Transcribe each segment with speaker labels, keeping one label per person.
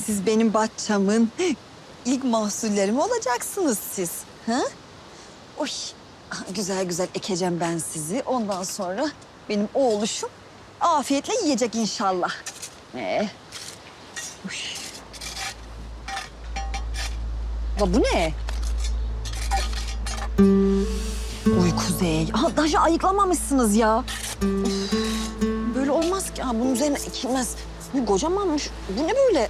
Speaker 1: Siz benim bahçamın ilk mahsulleri mi olacaksınız siz? Ha? Oy, güzel güzel ekeceğim ben sizi. Ondan sonra benim oğluşum afiyetle yiyecek inşallah. Uy. La bu ne? Uy Kuzey. Aha, daha ayıklamamışsınız ya. Of, böyle olmaz ki. Ha, bunun üzerine ekilmez. Bu kocamanmış. Bu ne böyle?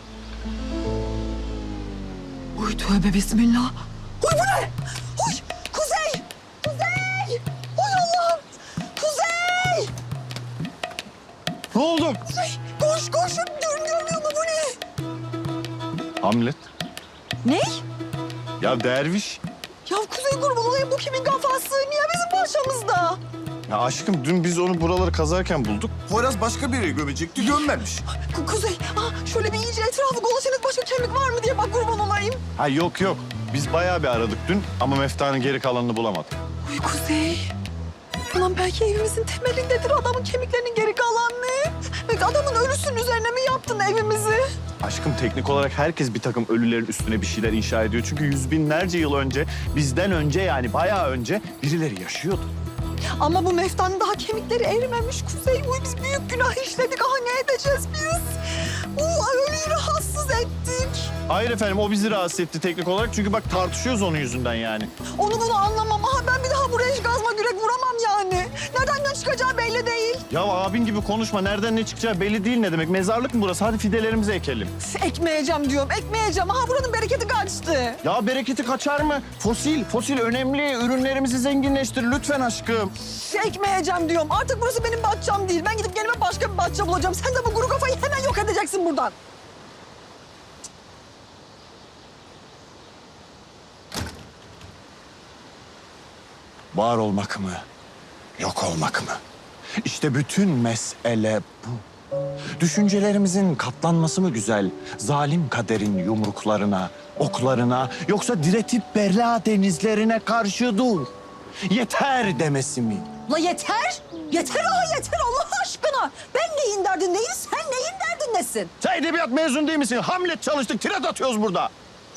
Speaker 1: Uy tövbe bismillah. Uy bu ne? Uy Kuzey! Kuzey! Uy Allah'ım! Kuzey!
Speaker 2: Ne oldu?
Speaker 1: Koş koşun. Görmüyor mu bu ne?
Speaker 2: Hamlet.
Speaker 1: Ne?
Speaker 2: Ya derviş.
Speaker 1: Ya Kuzey kurban olayım, bu kimin kafası? Niye bizim başımızda?
Speaker 2: Ya aşkım dün biz onu buraları kazarken bulduk. Poyraz başka bir yere gömecekti, gömmemiş.
Speaker 1: Kuzey, şöyle bir iyice etrafı dolaşınız, başka kemik var mı diye bak kurban olayım.
Speaker 2: Ha yok yok. Biz bayağı bir aradık dün ama meftanın geri kalanını bulamadık.
Speaker 1: Uy Kuzey. Ulan belki evimizin temelindedir adamın kemiklerinin geri kalanı. Belki adamın ölüsünün üzerine mi yaptın evimizi?
Speaker 2: Aşkım teknik olarak herkes bir takım ölülerin üstüne bir şeyler inşa ediyor. Çünkü yüz binlerce yıl önce, bizden önce yani bayağı önce birileri yaşıyordu.
Speaker 1: Ama bu meftanın daha kemikleri erimemiş Kuzey. Uy biz büyük günah işledik. Aha ne edeceğiz biz? Ölüyü rahatsız ettik.
Speaker 2: Hayır efendim o bizi rahatsız etti teknik olarak. Çünkü bak tartışıyoruz onun yüzünden yani.
Speaker 1: Onu bunu anlamam. Aha ben bir daha buraya hiç gazma gürek vuramam yani. Nereden ne çıkacağı belli değil.
Speaker 2: Ya abin gibi konuşma. Nereden ne çıkacağı belli değil ne demek. Mezarlık mı burası? Hadi fidelerimizi ekelim.
Speaker 1: Ekmeyeceğim diyorum, ekmeyeceğim. Aha buranın bereketi kaçtı.
Speaker 2: Ya bereketi kaçar mı? Fosil önemli. Ürünlerimizi zenginleştir lütfen aşkım.
Speaker 1: Ekmeyeceğim diyorum. Artık burası benim bahçem değil. Ben gidip kendime başka bir bahçe bulacağım. Sen de bu kuru kafayı hemen yok edeceksin buradan.
Speaker 2: Var olmak mı? Yok olmak mı? İşte bütün mesele bu. Düşüncelerimizin katlanması mı güzel? Zalim kaderin yumruklarına, oklarına yoksa diretip berla denizlerine karşı dur. Yeter demesi mi?
Speaker 1: La yeter. Yeter yeter Allah aşkına. Ben neyin derdindeyim, sen neyin derdindesin?
Speaker 2: Sen edebiyat mezun değil misin? Hamlet çalıştık, tirat atıyoruz burada.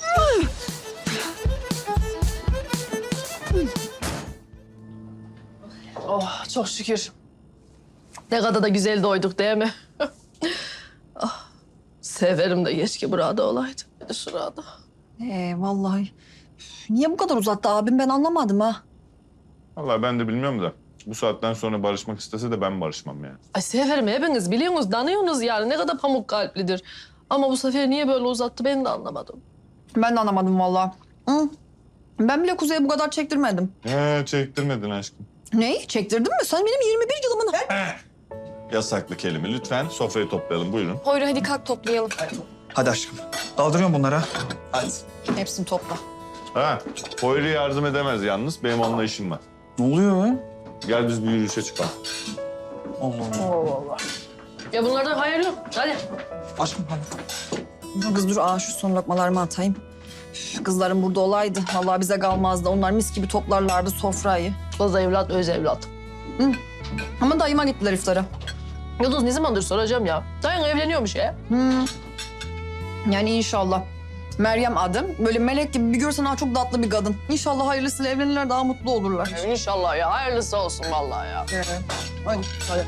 Speaker 3: Oh çok şükür. Ne kadar da güzel doyduk değil mi? Ah, severim de keşke burada olaydı. Bir de şurada.
Speaker 1: Vallahi. Niye bu kadar uzattı abim ben anlamadım ha.
Speaker 4: Vallahi ben de bilmiyorum da bu saatten sonra barışmak istese de ben barışmam yani.
Speaker 3: Ay severim hepiniz biliyorsunuz, danıyorsunuz yani ne kadar pamuk kalplidir. Ama bu sefer niye böyle uzattı ben de anlamadım.
Speaker 1: Ben de anlamadım vallahi. Hı. Ben bile Kuzey'e bu kadar çektirmedim.
Speaker 4: Çektirmedin aşkım.
Speaker 1: Neyi? Çektirdin mi? Sen benim 21 yılımın...
Speaker 4: Yasaklı kelime. Lütfen sofrayı toplayalım. Buyurun.
Speaker 5: Poyra hadi kalk toplayalım.
Speaker 6: Hadi aşkım. Daldırıyorum bunlara.
Speaker 4: Hadi.
Speaker 1: Hepsini topla.
Speaker 4: Ha, Poyri yardım edemez yalnız. Benim onunla işim var.
Speaker 6: Ne oluyor be?
Speaker 4: Gel biz bir yürüyüşe çıkalım.
Speaker 6: Allah Allah.
Speaker 3: Allah Allah. Ya bunlardan hayır yok. Hadi.
Speaker 6: Aşkım hadi.
Speaker 1: Kız dur şu son lokmalarımı atayım. Üf, kızlarım burada olaydı. Vallahi bize kalmazdı. Onlar mis gibi toplarlardı sofrayı.
Speaker 3: Kız evlat, öz evlat.
Speaker 1: Ama dayıma gittiler iftara.
Speaker 3: Yıldız ne zamandır soracağım ya. Dayın evleniyormuş ya.
Speaker 1: Yani inşallah. Meryem adım. Böyle melek gibi bir görsen çok tatlı bir kadın. İnşallah hayırlısıyla evlenirler daha mutlu olurlar.
Speaker 3: İnşallah ya. Hayırlısı olsun vallahi ya.
Speaker 1: Hadi.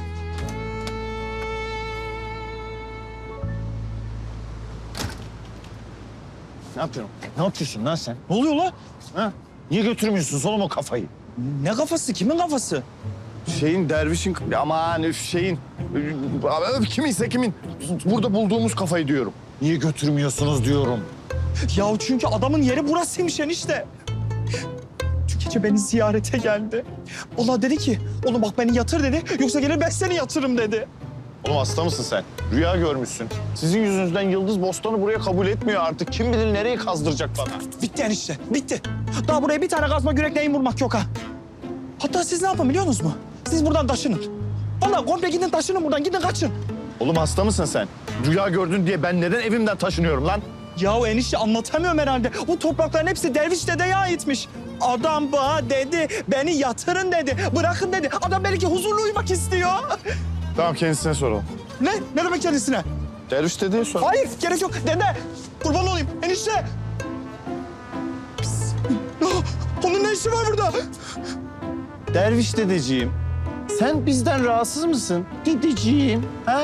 Speaker 2: Ne yapıyorsun? Ne yapıyorsun lan sen?
Speaker 6: Ne oluyor lan?
Speaker 2: Ha? Niye götürmüyorsun oğlum o kafayı?
Speaker 6: Ne kafası? Kimin kafası?
Speaker 2: Şeyin, dervişin, aman üf şeyin, kiminse kimin, burada bulduğumuz kafayı diyorum. Niye götürmüyorsunuz diyorum.
Speaker 6: Ya çünkü adamın yeri burasıymış enişte. Dün gece beni ziyarete geldi. Ola dedi ki, oğlum bak beni yatır dedi. Yoksa gelir ben seni yatırım dedi.
Speaker 2: Oğlum hasta mısın sen? Rüya görmüşsün. Sizin yüzünüzden Yıldız Bostan'ı buraya kabul etmiyor artık. Kim bilir nereyi kazdıracak bana.
Speaker 6: Bitti enişte, bitti. Daha buraya bir tane kazma gürek neyin vurmak yok ha. Hatta siz ne yapın biliyor musunuz mu? Siz buradan taşının. Vallahi komple gidin taşının buradan, gidin kaçın.
Speaker 2: Oğlum hasta mısın sen? Rüya gördün diye ben neden evimden taşınıyorum lan?
Speaker 6: Yahu enişte anlatamıyorum herhalde. Bu toprakların hepsi Derviş dedeye aitmiş. Adam bana dedi, beni yatırın dedi, bırakın dedi. Adam belki huzurlu uyumak istiyor.
Speaker 2: Tamam kendisine soralım.
Speaker 6: Ne? Ne demek kendisine?
Speaker 4: Derviş dedeye sor.
Speaker 6: Hayır gerek yok dede. Kurban olayım enişte. Pis. Onun ne işi var burada?
Speaker 2: Derviş dedeciğim, sen bizden rahatsız mısın? Dedeciğim, ha?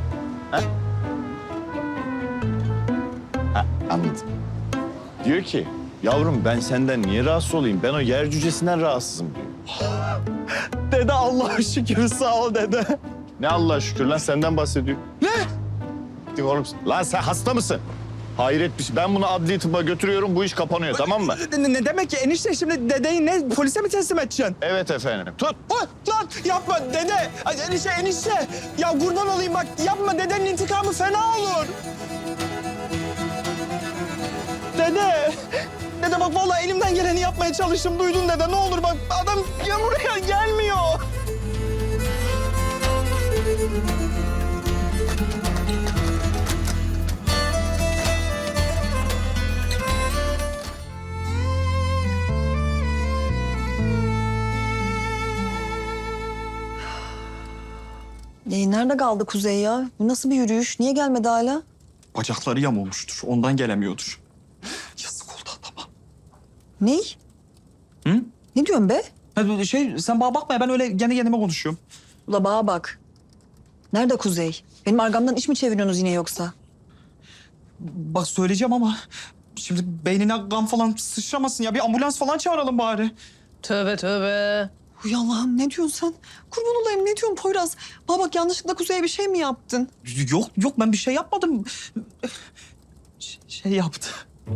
Speaker 2: Ha, anladım. Diyor ki, yavrum ben senden niye rahatsız olayım? Ben o yer cücesinden rahatsızım diyor.
Speaker 6: Dede Allah'a şükür sağ ol dede.
Speaker 4: Ne Allah'a şükür lan senden bahsediyor.
Speaker 6: Ne?
Speaker 4: Dik oğlum.
Speaker 2: Lan sen hasta mısın?
Speaker 4: Hayret bir şey. Ben bunu adli tıbba götürüyorum. Bu iş kapanıyor tamam mı?
Speaker 6: Ne demek ki enişte şimdi dedeyi ne polise mi teslim edeceksin?
Speaker 4: Evet efendim. Tut.
Speaker 6: Lan yapma dede. Ay, enişte. Ya kurban olayım bak yapma dedenin intikamı fena olur. Dede. Dede bak vallahi elimden geleni yapmaya çalıştım. Duydun dede ne olur bak adam ya buraya gelmiyor.
Speaker 1: Nerede kaldı Kuzey ya? Bu nasıl bir yürüyüş? Niye gelmedi hala?
Speaker 6: Bacakları yamulmuştur. Ondan gelemiyordur. Yazık oldu adama.
Speaker 1: Ney?
Speaker 6: Hı?
Speaker 1: Ne diyorsun be?
Speaker 6: Sen bana bakma ya ben öyle kendi kendime konuşuyorum.
Speaker 1: Ula bağa bak. Nerede Kuzey? Benim arkamdan iş mi çeviriyorsunuz yine yoksa?
Speaker 6: Bak söyleyeceğim ama şimdi beynine kan falan sıçramasın ya. Bir ambulans falan çağıralım bari.
Speaker 3: Tövbe tövbe.
Speaker 1: Uy Allah'ım ne diyorsun sen? Kurban olayım ne diyorsun Poyraz? Bana bak yanlışlıkla Kuzey'e bir şey mi yaptın?
Speaker 6: Yok ben bir şey yapmadım. Şey yaptı.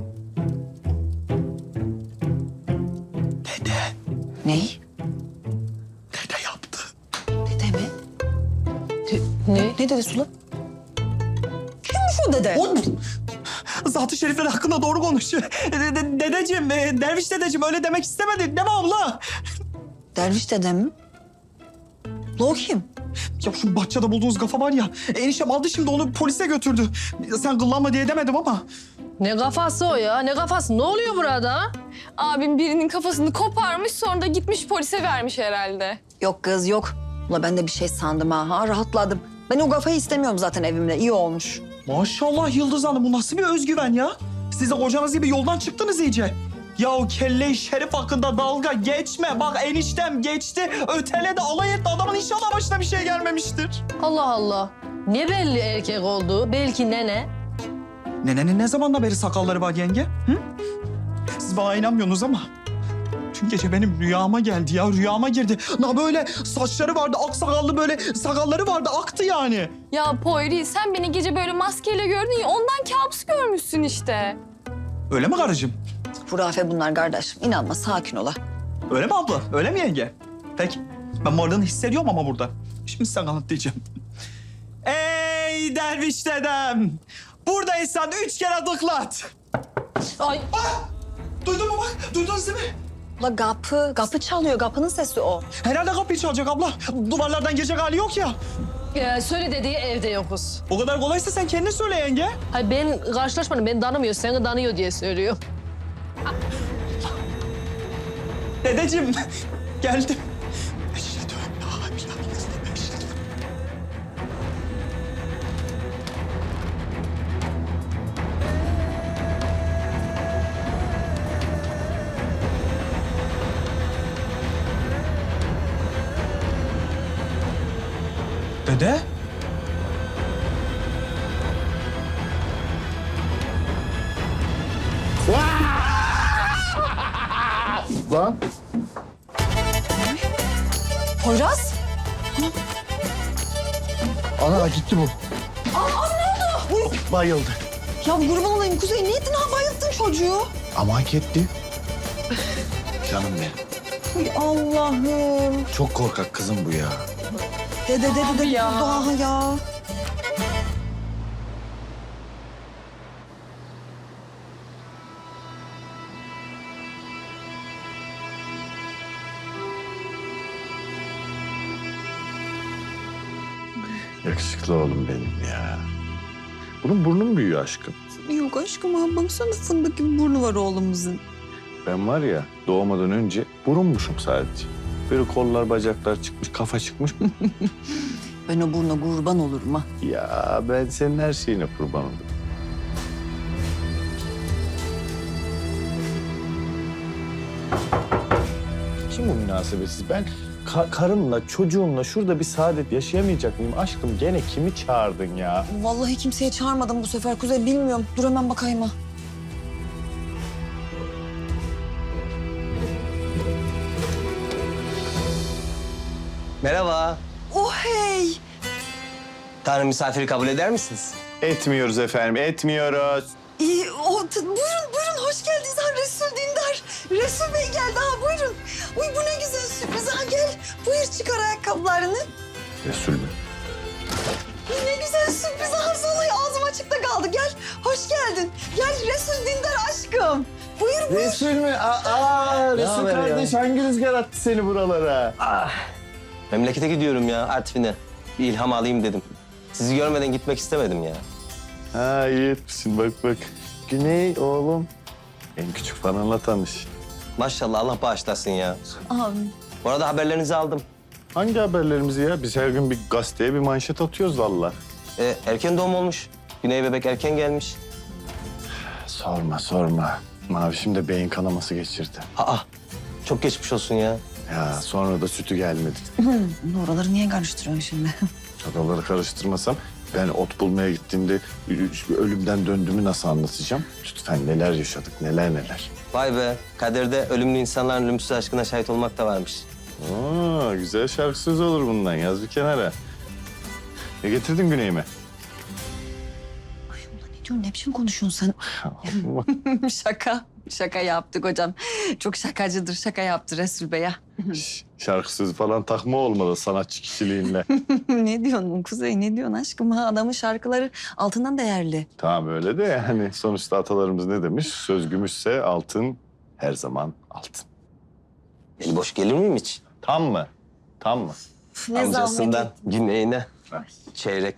Speaker 6: Dede.
Speaker 1: Ney?
Speaker 6: Dede yaptı.
Speaker 1: Dede mi?
Speaker 3: Ne?
Speaker 1: Ne dedi Sula? Kimmiş o dede?
Speaker 6: Zat-ı şerifler hakkında doğru konuşuyor. Dedeciğim, derviş dedeciğim öyle demek istemedi değil mi abla?
Speaker 1: Derviş dede mi? Ula o kim?
Speaker 6: Ya şu bahçede bulduğunuz kafa var ya, eniştem aldı şimdi onu polise götürdü. Sen kıllanma diye demedim ama.
Speaker 3: Ne kafası o ya? Ne kafası? Ne oluyor burada?
Speaker 5: Abim birinin kafasını koparmış sonra da gitmiş polise vermiş herhalde.
Speaker 1: Yok kız yok. Ula ben de bir şey sandım ha. Rahatladım. Ben o kafayı istemiyorum zaten evimde. İyi olmuş.
Speaker 6: Maşallah Yıldız Hanım bu nasıl bir özgüven ya? Siz de kocanız gibi yoldan çıktınız iyice. Ya o kelle-i şerif hakkında dalga geçme. Bak eniştem geçti, öteledi, alay etti. Adamın inşallah başına bir şey gelmemiştir.
Speaker 3: Allah Allah. Ne belli erkek olduğu? Belki nene.
Speaker 6: Nenenin ne zamandan beri sakalları var yenge? Hı? Siz bana inanmıyorsunuz ama dün gece benim rüyama geldi ya, rüyama girdi. Na böyle saçları vardı, ak sakallı böyle sakalları vardı, aktı yani.
Speaker 5: Ya Poyri sen beni gece böyle maskeyle gördün ya ondan kabus görmüşsün işte.
Speaker 6: Öyle mi karıcığım?
Speaker 1: Hurafe bunlar kardeşim. İnanma sakin ola.
Speaker 6: Öyle mi abla? Öyle mi yenge? Peki. Ben varlığını hissediyorum ama burada. Şimdi sen anlatacağım. Ey derviş dedem! Buradaysan 3 kere dıklat.
Speaker 3: Ay.
Speaker 6: Duydun mu bak? Duydunuz değil mi?
Speaker 1: Ula kapı çalıyor. Kapının sesi o.
Speaker 6: Herhalde kapıyı çalacak abla. Duvarlardan girecek hali yok ya.
Speaker 3: Söyle dediği evde yokuz.
Speaker 6: O kadar kolaysa sen kendin söyle yenge.
Speaker 3: Hayır ben karşılaşmadım. Beni tanımıyor. Seni tanıyor diye söylüyor.
Speaker 6: Dedeciğim geldim. Eşhedü en la ilahe illallah, eşhedü. Dede?
Speaker 2: Lan.
Speaker 1: Poyraz?
Speaker 2: Ana gitti bu. Bayıldı.
Speaker 1: Ya kurban olayım Kuzey. Ne ettin ha? Bayılttın çocuğu.
Speaker 2: Ama hak etti. Canım benim.
Speaker 1: Ay Allah'ım.
Speaker 2: Çok korkak kızım bu ya.
Speaker 1: Dede ya. Daha ya.
Speaker 2: Yakışıklı oğlum benim ya. Bunun burnu mu büyüyor aşkım?
Speaker 1: Yok aşkım ha. Baksana fındık gibi burnu var oğlumuzun.
Speaker 2: Ben var ya doğmadan önce burunmuşum sadece. Böyle kollar bacaklar çıkmış, kafa çıkmış.
Speaker 1: Ben o buruna kurban olurum ha.
Speaker 4: Ya ben senin her şeyine kurban olurum. Kim bu münasebetsiz? Ben karımla, çocuğumla şurada bir saadet yaşayamayacak mıyım? Aşkım gene kimi çağırdın ya?
Speaker 1: Vallahi kimseye çağırmadım bu sefer Kuzey, bilmiyorum. Dur hemen bakayım ha.
Speaker 7: Merhaba.
Speaker 1: Oh hey!
Speaker 7: Tanrı misafiri kabul eder misiniz?
Speaker 4: Etmiyoruz efendim, etmiyoruz.
Speaker 1: Buyurun hoş geldiniz ha Resul Dindar. Resul Bey geldi ha, buyurun. Uy bu ne güzel sürpriz ha, gel. Buyur çıkar ayakkabılarını.
Speaker 4: Resul mü?
Speaker 1: Ne güzel sürpriz ha, vallahi ağzım açıkta kaldı. Gel, hoş geldin. Gel Resul Dindar aşkım. Buyur.
Speaker 4: Resul mü? Resul
Speaker 7: haber ya?
Speaker 4: kardeş hangi rüzgar attı seni buralara?
Speaker 7: Memlekete gidiyorum ya, Artvin'e. Bir ilham alayım dedim. Sizi görmeden gitmek istemedim ya.
Speaker 4: Ha iyi etmişsin bak. Güney oğlum. En küçük falanla tanış.
Speaker 7: Maşallah Allah bağışlasın ya.
Speaker 1: Amin.
Speaker 7: Bu arada haberlerinizi aldım.
Speaker 4: Hangi haberlerimizi ya? Biz her gün bir gazeteye bir manşet atıyoruz valla.
Speaker 7: Erken doğum olmuş. Güney bebek erken gelmiş.
Speaker 4: Sorma. Mavişim de beyin kanaması geçirdi.
Speaker 7: Aa, çok geçmiş olsun ya.
Speaker 4: Ya sonra da sütü gelmedi.
Speaker 1: Oraları niye karıştırıyorsun şimdi?
Speaker 4: Oraları karıştırmasam ben ot bulmaya gittiğimde ölümden döndüğümü nasıl anlatacağım? Lütfen neler yaşadık, neler.
Speaker 7: Vay be, kaderde ölümlü insanların ölümsüz aşkına şahit olmak da varmış.
Speaker 4: Aa, güzel şarkı sözü olur bundan. Yaz bir kenara. Ne getirdin Güney'ime?
Speaker 1: Ay ulan ne diyorsun, ne biçim konuşuyorsun sen? Şaka yaptık hocam. Çok şakacıdır, şaka yaptı Resul Bey ya.
Speaker 4: Şarkı sözü falan takma olmalı sanatçı kişiliğinle.
Speaker 1: Ne diyorsun Kuzey, ne diyorsun aşkım? Ha, adamın şarkıları altından değerli.
Speaker 4: Tamam öyle de yani sonuçta atalarımız ne demiş? Söz gümüşse altın her zaman altın.
Speaker 7: Eli boş gelir miyim hiç?
Speaker 4: Tam mı?
Speaker 1: Üf, ne
Speaker 7: Amcasından
Speaker 1: zahmet.
Speaker 7: güneyine çeyrek.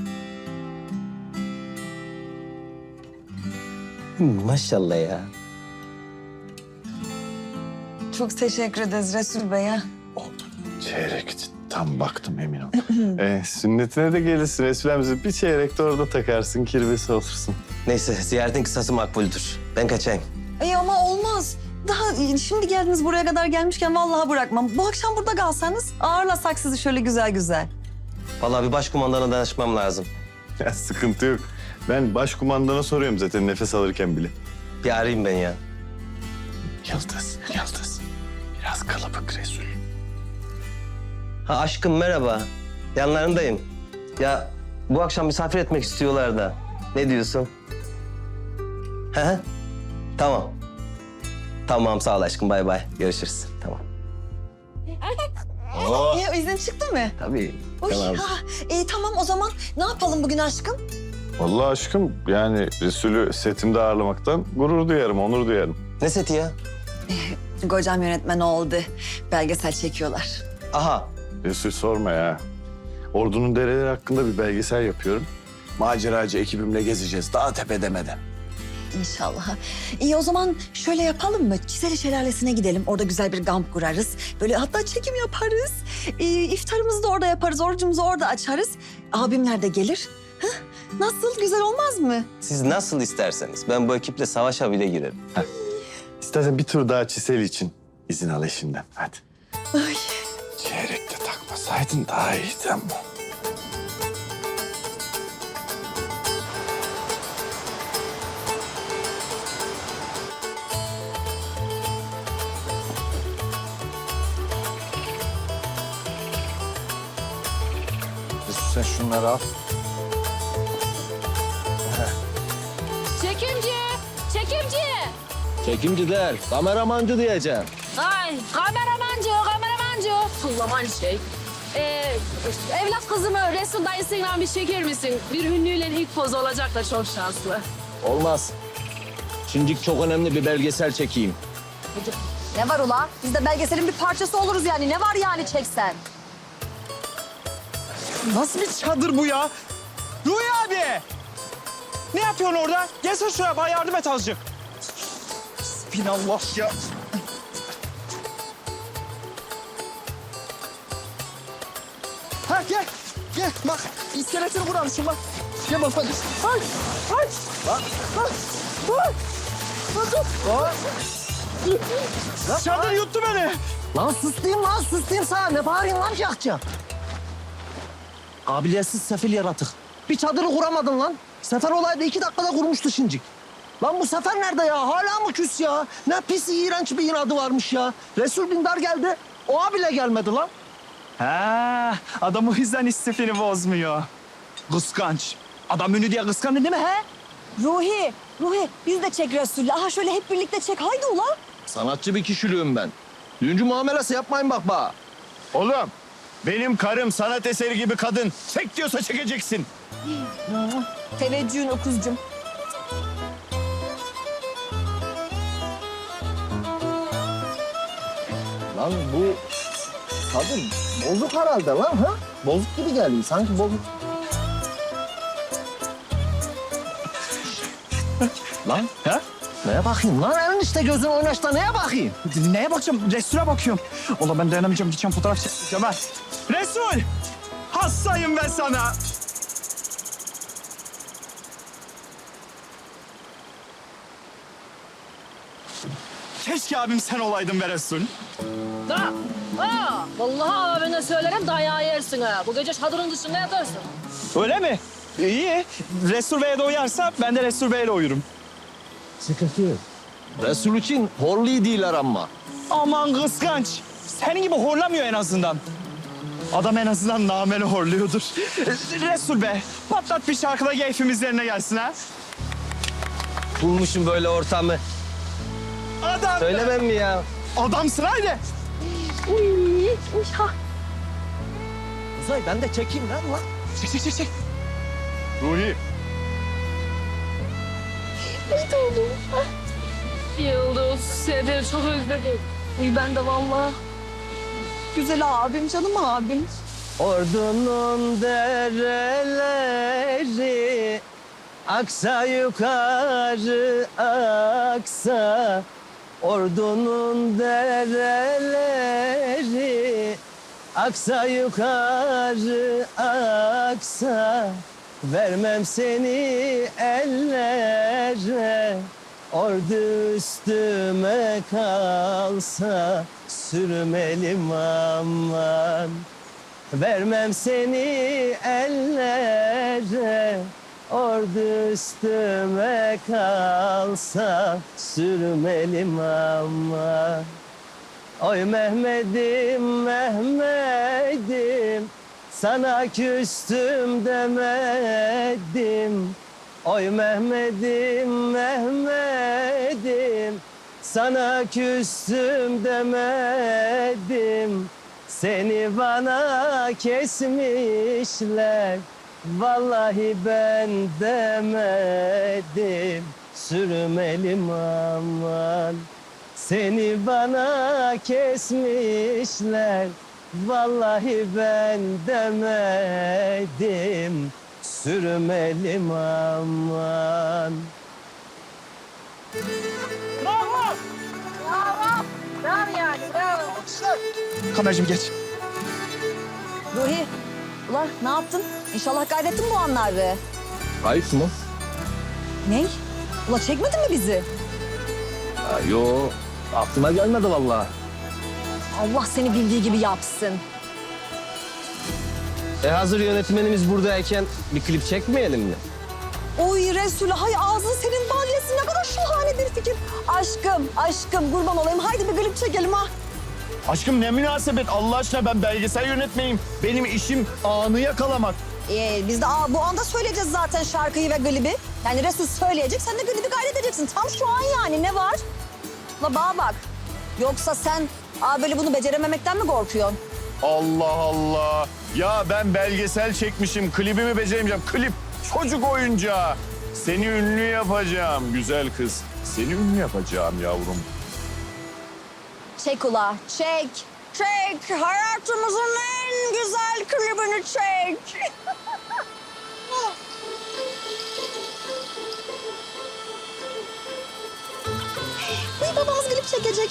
Speaker 7: Maşallah ya.
Speaker 1: Çok teşekkür ederiz Resul Bey ya.
Speaker 4: Çeyrek tam baktım emin ol. Sünnetine de gelirsin Resul'emize bir çeyrek de orada takarsın kirvesi olursun.
Speaker 7: Neyse ziyaretin kısası makbuldür. Ben kaçayım.
Speaker 1: Ama olmaz. Daha şimdi geldiniz, buraya kadar gelmişken vallahi bırakmam. Bu akşam burada kalsanız ağırlasak sizi şöyle güzel.
Speaker 7: Vallahi bir başkumandana danışmam lazım.
Speaker 4: Ya sıkıntı yok. Ben başkumandana soruyorum zaten nefes alırken bile.
Speaker 7: Bir arayayım ben ya.
Speaker 4: Yıldız. Biraz kalabalık Resul.
Speaker 7: Ha aşkım merhaba. Yanlarındayım. Ya bu akşam misafir etmek istiyorlar da. Ne diyorsun? He? Tamam. Tamam sağ ol aşkım bay bay. Görüşürüz. Tamam.
Speaker 1: İzin çıktı mı?
Speaker 7: Tabii.
Speaker 1: Oy,
Speaker 7: Tamam.
Speaker 1: tamam o zaman ne yapalım bugün aşkım?
Speaker 4: Vallahi aşkım yani Resul'ü setimde ağırlamaktan gurur duyarım, onur duyarım.
Speaker 7: Ne seti ya?
Speaker 1: Kocam yönetmen oldu. Belgesel çekiyorlar.
Speaker 7: Aha.
Speaker 4: Resul sorma ya. Ordunun dereleri hakkında bir belgesel yapıyorum. Maceracı ekibimle gezeceğiz daha tepedemeden.
Speaker 1: İnşallah. İyi o zaman şöyle yapalım mı? Çiseli Şelalesi'ne gidelim. Orada güzel bir kamp kurarız. Böyle hatta çekim yaparız. İftarımızı da orada yaparız. Orucumuzu orada açarız. Abimler de gelir. Hah, nasıl? Güzel olmaz mı?
Speaker 7: Siz nasıl isterseniz. Ben bu ekiple savaşa bile girerim.
Speaker 4: İstersen bir tur daha Çiseli için izin al eşinden. Hadi.
Speaker 1: Ay.
Speaker 4: Çeyrek de takmasaydın daha iyiydi ama.
Speaker 2: Sen şunları al.
Speaker 5: Çekimci.
Speaker 7: Çekimci der, kameramancı diyeceğim.
Speaker 5: Ay kameramancı. Kullaman şey. Evlat kızımı Resul dayısıyla bir çeker misin? Bir ünlüyle ilk poz olacak da çok şanslı.
Speaker 8: Olmaz. Şimdi çok önemli bir belgesel çekeyim.
Speaker 1: Ne var ula? Biz de belgeselin bir parçası oluruz yani. Ne var yani çeksen?
Speaker 6: Nasıl bir çadır bu ya? Ruhi abi! Ne yapıyorsun orada? Gelsene şuraya bana yardım et azıcık. Bismillah ya. Ha gel. Gel bak iskeletini kurarmışım bak. Gel bak bak. Ay ay. Bak bak. Bak. Bak. Çadır yuttu beni.
Speaker 7: Lan sus diyeyim lan sus diyeyim sana. Ne bağırıyorsun lan cakça? Kabiliyetsiz sefil yaratık. Bir çadırı kuramadın lan. Sefer olaydı 2 dakikada kurmuştu şincik. Lan bu Sefer nerede ya? Hala mı küs ya? Ne pis iğrenç bir inadı varmış ya. Resul Dindar geldi. O bile gelmedi lan.
Speaker 6: Ha, adam o yüzden istifini bozmuyor. Kıskanç. Adam ünlü diye kıskandı değil mi he?
Speaker 1: Ruhi biz de çek Resul'le. Aha şöyle hep birlikte çek. Haydi ulan.
Speaker 8: Sanatçı bir kişiliğim ben. Düğüncü muamelesi yapmayın bak bana.
Speaker 2: Oğlum benim karım sanat eseri gibi kadın. Çek diyorsa çekeceksin.
Speaker 1: Teveccühün okuzcum.
Speaker 7: Lan bu kadın bozuk herhalde lan ha? Bozuk gibi geliyor sanki bozuk.
Speaker 6: Lan he?
Speaker 7: Neye bakayım lan? Elin işte gözün oynaşta neye bakayım?
Speaker 6: Neye bakacağım? Resul'e bakıyorum. Ola ben dayanamayacağım. Gideceğim fotoğraf çekeceğim ha. Resul! Hastayım ben sana. Keşke abim sen olaydın be Resul.
Speaker 5: Da. Ha, vallahi abine söylerim dayağı yersin ha. Bu gece çadırın dışında yatarsın.
Speaker 6: Öyle mi? İyi. Resul Bey'e de uyarsa ben de Resul Bey'le uyurum.
Speaker 7: Sıkıntı yok.
Speaker 8: Resul için horlu değiller ama.
Speaker 6: Aman kıskanç. Senin gibi horlamıyor en azından. Adam en azından nameli horluyordur. Resul Bey, patlat bir şarkıda keyfimiz yerine gelsin ha.
Speaker 7: Bulmuşum böyle ortamı.
Speaker 6: Adam.
Speaker 7: Söylemem mi ya?
Speaker 6: Adamsın haydi.
Speaker 7: Uzay ben de çekeyim lan.
Speaker 6: Çek.
Speaker 2: Ruhi.
Speaker 5: Yıldız, seni çok özledim. Ben de vallahi.
Speaker 1: Güzel abim, canım abim.
Speaker 7: Ordunun dereleri aksa yukarı aksa. Ordunun dereleri aksa yukarı aksa. Vermem seni ellere, ordu üstüme kalsa sürmelim aman. Vermem seni ellere, ordu üstüme kalsa sürmelim aman. Oy Mehmet'im, Mehmet'im, sana küstüm demedim. Oy Mehmet'im, Mehmet'im, sana küstüm demedim. Seni bana kesmişler, vallahi ben demedim. Sürmelim aman. Seni bana kesmişler, vallahi ben demedim. Sürmelim aman.
Speaker 6: Bravo.
Speaker 5: Bravo yani, bravo.
Speaker 6: Kameracığım geç.
Speaker 1: Ruhi, ulan ne yaptın? İnşallah kaydettin bu anları.
Speaker 8: Kayıp mı?
Speaker 1: Ne? Ula çekmedin mi bizi?
Speaker 8: Ya, yo, aklıma gelmedi vallahi.
Speaker 1: Allah seni bildiği gibi yapsın.
Speaker 7: Hazır yönetmenimiz buradayken bir klip çekmeyelim mi?
Speaker 1: Oy Resulü, hay ağzın senin bal yesin. Ne kadar şahane bir fikir. Aşkım kurban olayım. Haydi bir klip çekelim ha.
Speaker 2: Aşkım ne münasebet Allah aşkına, ben belgesel yönetmeyim. Benim işim anı yakalamak.
Speaker 1: Biz de bu anda söyleyeceğiz zaten şarkıyı ve klibi. Yani Resul söyleyecek, sen de klibi kaydedeceksin. Tam şu an yani, ne var? La bana bak. Yoksa sen böyle bunu becerememekten mi korkuyorsun?
Speaker 2: Allah Allah. Ya ben belgesel çekmişim, klibimi beceremeyeceğim. Klip çocuk oyuncağı. Seni ünlü yapacağım güzel kız. Seni ünlü yapacağım yavrum.
Speaker 1: Çek ula, çek. Çek. Hayatımızın en güzel klibini çek. Babamız klip çekecek.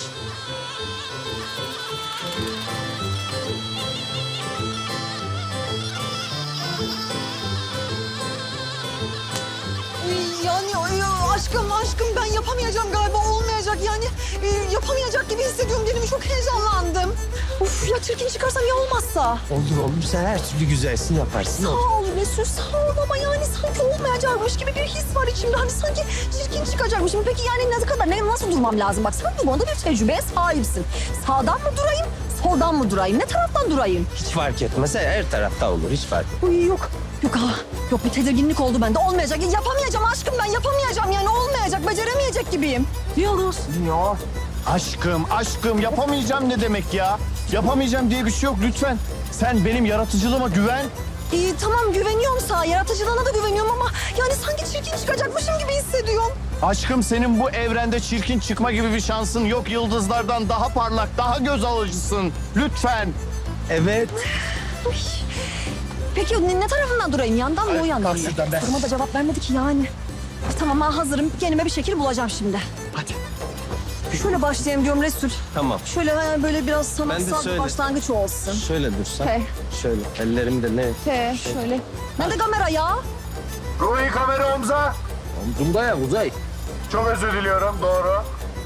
Speaker 1: yapamayacağım galiba, olmayacak yani. Yapamayacak gibi hissediyorum kendimi, çok heyecanlandım. Uf ya, çirkin çıkarsam ya olmazsa?
Speaker 7: Olur sen her türlü güzelsin yaparsın.
Speaker 1: Sağ ol Resul, sağ ol ama yani sanki olmayacakmış gibi bir his var içimde. Hani sanki çirkin çıkacakmışım. Peki yani ne kadar, nasıl durmam lazım? Bak sen bu konuda bir tecrübeye sahipsin. Sağdan mı durayım, soldan mı durayım? Ne taraftan durayım?
Speaker 7: Hiç fark etmez. Her tarafta olur. Hiç fark etmez.
Speaker 1: Uy yok. Yok ha. Yok, bir tedirginlik oldu bende. Olmayacak. Yapamayacağım aşkım ben. Yapamayacağım yani, olmayacak. Beceremeyecek gibiyim.
Speaker 3: Yıldız.
Speaker 4: Ya aşkım yapamayacağım ne demek ya? Yapamayacağım diye bir şey yok lütfen. Sen benim yaratıcılığıma güven.
Speaker 1: Tamam güveniyorum sana. Yaratıcılığına da güveniyorum ama yani sanki çirkin çıkacakmışım gibi hissediyorum.
Speaker 4: Aşkım senin bu evrende çirkin çıkma gibi bir şansın yok. Yıldızlardan daha parlak, daha göz alıcısın. Lütfen.
Speaker 7: Evet.
Speaker 1: Uy. Peki ne tarafından durayım? Yandan mı, o yandan mı?
Speaker 6: şuradan be.
Speaker 1: Soruma da cevap vermedi ki yani. Tamam ben hazırım. Kendime bir şekil bulacağım şimdi.
Speaker 6: Hadi.
Speaker 1: Şöyle başlayayım diyorum Resul.
Speaker 7: Tamam.
Speaker 1: Şöyle böyle biraz sanatsal bir
Speaker 7: söyle.
Speaker 1: başlangıç olsun.
Speaker 7: Şöyle dursan.
Speaker 1: He.
Speaker 7: Şöyle. Ellerim de ne?
Speaker 1: Şöyle. Nerede kamera ya?
Speaker 4: Ruhi kamera omza.
Speaker 8: Omzumda ya Uzay.
Speaker 4: Çok özür diliyorum, doğru.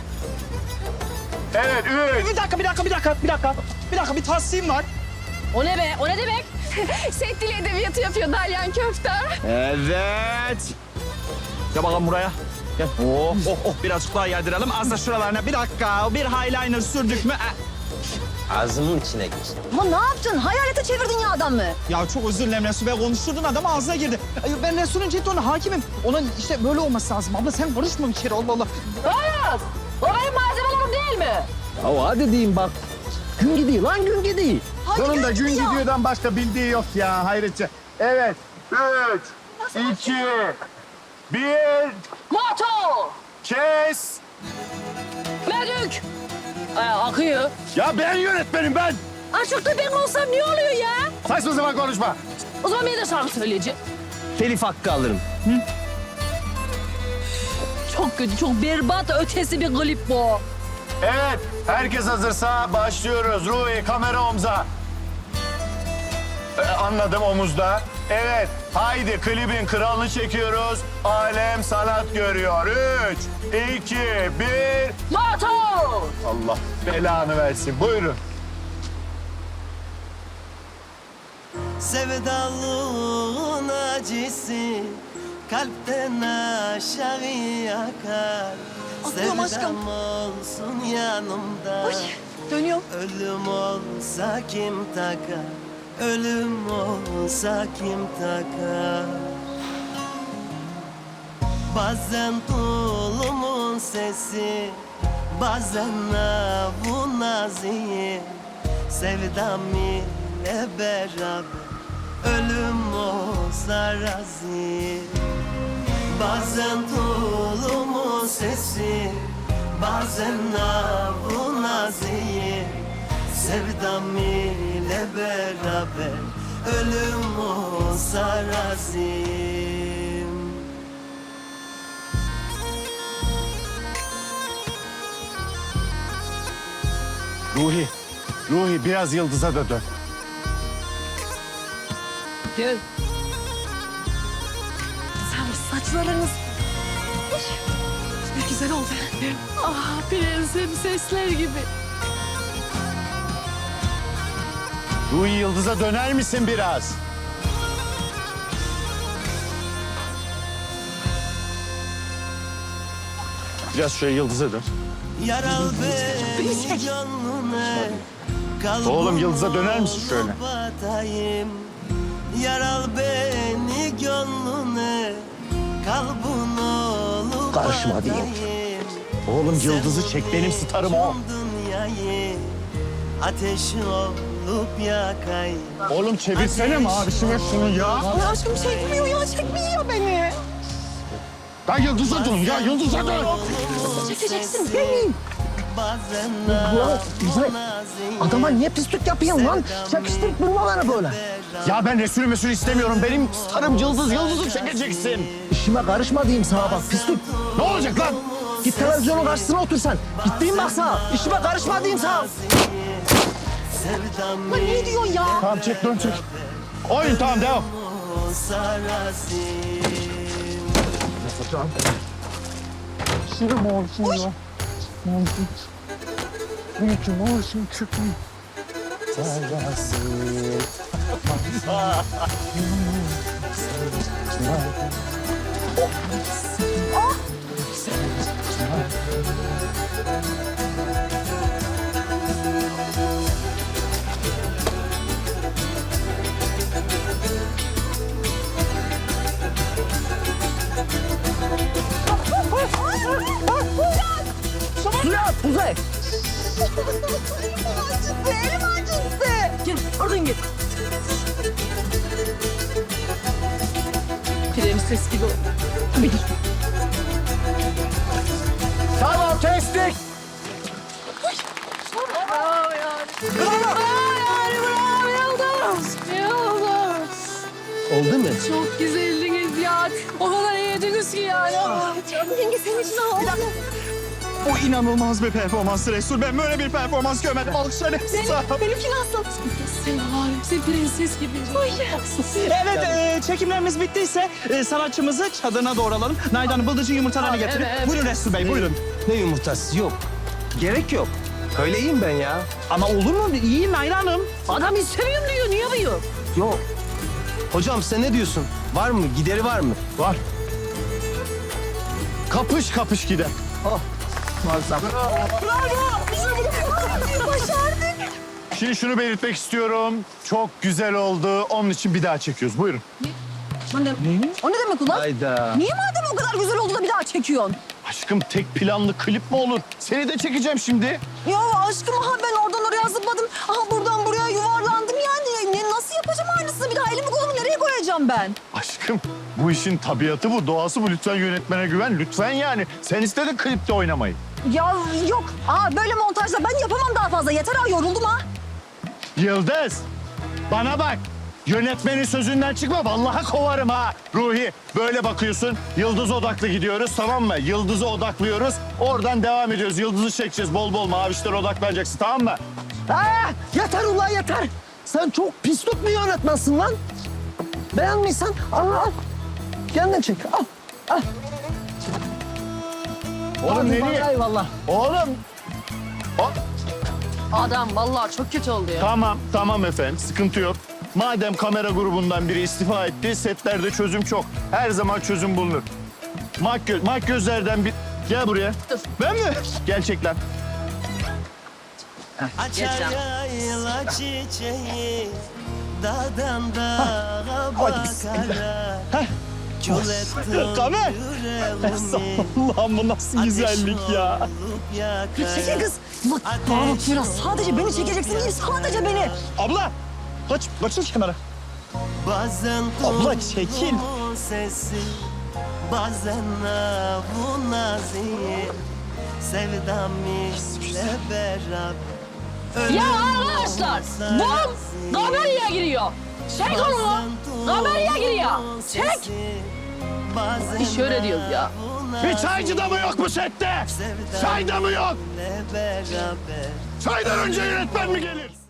Speaker 4: Evet,
Speaker 6: Bir dakika, bir tahsilim var.
Speaker 5: O ne be? O ne demek? Set dili edebiyatı yapıyor Dalyan Köfte.
Speaker 6: Evet. Gel bakalım buraya. Gel. Birazcık daha yerdirelim. Az da şuralarına. Bir dakika. Bir highlighter sürdük mü?
Speaker 7: Ağzının içine gir.
Speaker 1: Ama ne yaptın? Hayalete çevirdin ya adamı.
Speaker 6: Ya çok özür dilerim Resul Bey. Konuşturdun adam ağzına girdi. Ben Resul'ün ciddi hakimim. Ona işte böyle olması lazım. Abla sen karışma bir kere. Allah Allah.
Speaker 5: Hayır. O benim malzemelerim değil mi?
Speaker 8: Ya hadi diyeyim bak. Gün gidiyor lan gün gidiyor.
Speaker 4: Sonunda gün gidiyordan başka bildiği yok ya hayretçe. Evet, 3, 2, 1,
Speaker 5: Moto.
Speaker 4: kes.
Speaker 5: Medük. Akıyor.
Speaker 4: Ya ben yönetmenim ben.
Speaker 5: Açıkta ben olsam ne oluyor ya?
Speaker 4: Saçma sapan konuşma.
Speaker 5: O zaman ben de şarkı söyleyeceğim.
Speaker 7: Telif hakkı alırım.
Speaker 5: Çok kötü, çok berbat ötesi bir klip bu.
Speaker 4: Evet, herkes hazırsa başlıyoruz. Ruhi, kamera omza. Anladım, omuzda. Evet, haydi klibin kralını çekiyoruz. Alem sanat görüyor. 3, 2, 1.
Speaker 5: Moto.
Speaker 4: Allah belanı versin. Buyurun.
Speaker 9: Sevdalığın acısı kalpten aşağı akar.
Speaker 1: Atlıyorum aşkım.
Speaker 9: Sevdam olsun yanımda.
Speaker 1: Oy, dönüyorum.
Speaker 9: Ölüm olsa kim takar? Ölüm olsa kim takar? Bazen tulumun sesi, bazen navun naziyim. Sevdam ile beraber ölüm olsa razıyım. Bazen tulumun sesi, bazen navun naziyim. Sevdam ile beraber ölüm olsa razıyım.
Speaker 4: Ruhi biraz yıldıza da dön.
Speaker 5: Gel.
Speaker 1: Sen saçlarınız... Uy, ne güzel oldu.
Speaker 5: Ah prensim sesler gibi.
Speaker 4: Ruhi yıldıza döner misin biraz? Biraz şöyle yıldıza dön.
Speaker 9: Yaral beni gönlüne, kalbim
Speaker 4: Oğlum, yıldıza döner misin şöyle?
Speaker 9: batayım. Yaral beni gönlüne, kalbin olup
Speaker 8: Karışma diyeyim.
Speaker 9: batayım.
Speaker 4: Oğlum yıldızı çek, benim starım o.
Speaker 9: Dünyayı ateş olup yakayım.
Speaker 4: Oğlum çevirsene mavişime şunu ya.
Speaker 1: Ay aşkım çekmiyor ya, çekmiyor beni.
Speaker 4: Ben yıldıza dön ya, yıldıza dön.
Speaker 1: Çekeceksin beni.
Speaker 9: Bazen
Speaker 8: Uzay, adama niye pislik yapıyorsun lan? Çekiştirip durma bana böyle.
Speaker 4: Ya ben Resulü mesul istemiyorum. Benim starım yıldız, yıldızı çekeceksin.
Speaker 8: İşime karışma diyeyim sana bak pislik.
Speaker 4: Ne olacak lan?
Speaker 8: Git televizyonun karşısına otur sen. Gittiğin bak sana. İşime karışma diyeyim sana.
Speaker 9: sevdam
Speaker 1: Ama ne diyorsun ya?
Speaker 4: Tamam çek, dön çek. Oyun tamam, devam.
Speaker 9: olsa razıyım.
Speaker 8: Suya, Kuzey.
Speaker 1: Elim acıttı.
Speaker 3: Gel oradan gel. Prenses gibi ol.
Speaker 8: Tamam, kestik.
Speaker 7: Oldu mu?
Speaker 5: Çok güzeldiniz ya. O kadar iyiyediniz ki yani.
Speaker 1: Yenge senin için ağladım.
Speaker 6: O inanılmaz bir performans Resul. Ben böyle bir performans görmedim. Alkışlar hepsi sağ ol.
Speaker 1: Benimki nasıl?
Speaker 5: Sen var ya, sen prenses gibisin.
Speaker 6: Evet, çekimlerimiz bittiyse sanatçımızı çadırına doğralım. Nayda'nın bıldırcın yumurtalarını getirin.
Speaker 5: evet.
Speaker 6: Buyurun Resul Bey, buyurun.
Speaker 7: Ne yumurtası? Yok. Gerek yok. Öyle iyiyim ben ya.
Speaker 6: Ama olur mu? İyiyim Nayda Hanım.
Speaker 3: Adam istemiyorum diyor. Niye yapıyor?
Speaker 7: Yok. Hocam sen ne diyorsun? Var mı? Gideri var mı?
Speaker 4: Var. Kapış kapış gider. Şimdi şunu belirtmek istiyorum. Çok güzel oldu. Onun için bir daha çekiyoruz. Buyurun.
Speaker 1: O ne demek ulan?
Speaker 7: Hayda.
Speaker 1: Niye madem o kadar güzel oldu da bir daha çekiyorsun?
Speaker 4: Aşkım tek planlı klip mi olur? Seni de çekeceğim şimdi.
Speaker 1: Ya aşkım ben oradan oraya zıpladım. Buradan buraya yuvarlandım yani. Nasıl yapacağım aynısını? Bir daha elimi kolumu nereye koyacağım ben?
Speaker 4: Aşkım bu işin tabiatı bu, doğası bu. Lütfen yönetmene güven. Lütfen yani. Sen istedin klipte oynamayı.
Speaker 1: Ya yok. Böyle montajla ben yapamam daha fazla. Yeter yoruldum ha.
Speaker 4: Yıldız, bana bak. Yönetmenin sözünden çıkma. Vallahi kovarım ha. Ruhi, böyle bakıyorsun. Yıldız odaklı gidiyoruz, tamam mı? Yıldız'a odaklıyoruz. Oradan devam ediyoruz. Yıldızı çekeceğiz. Bol bol mavişlere odaklanacaksın, tamam mı?
Speaker 8: Yeter ulan yeter. Sen çok pislik bir yönetmensin lan. Beğenmişsen al. Kendin çek, al.
Speaker 4: Oğlum nereye?
Speaker 8: Eyvallah.
Speaker 4: Oğlum.
Speaker 3: Adam vallahi çok kötü oldu ya.
Speaker 4: Tamam efendim. Sıkıntı yok. Madem kamera grubundan biri istifa etti, setlerde çözüm çok. Her zaman çözüm bulunur. Makyözlerden bir... Gel buraya.
Speaker 3: Dur.
Speaker 4: Ben mi? Gel çek lan.
Speaker 9: Açar yayla çiçeği dağdan dağa bakarak Kül ettin
Speaker 6: Kamer.
Speaker 9: yüreğimi
Speaker 6: Allah'ım bu nasıl güzellik ya.
Speaker 1: Çekil kız. Bak bana bak biraz. Sadece beni çekeceksin değil, sadece beni.
Speaker 6: Abla, kaçın kenara.
Speaker 9: Bazen
Speaker 6: Abla, çekil.
Speaker 9: duyduğun sesi bazen bu naziyi sevdam ile beraber
Speaker 5: Ya arkadaşlar, bom kameraya giriyor. Çek onu. Kameraya giriyor. Çek.
Speaker 3: İş öyle diyoruz ya.
Speaker 4: Bir çaycı da mı yok bu sette? Çay da mı yok? Çaydan önce yönetmen mi gelir?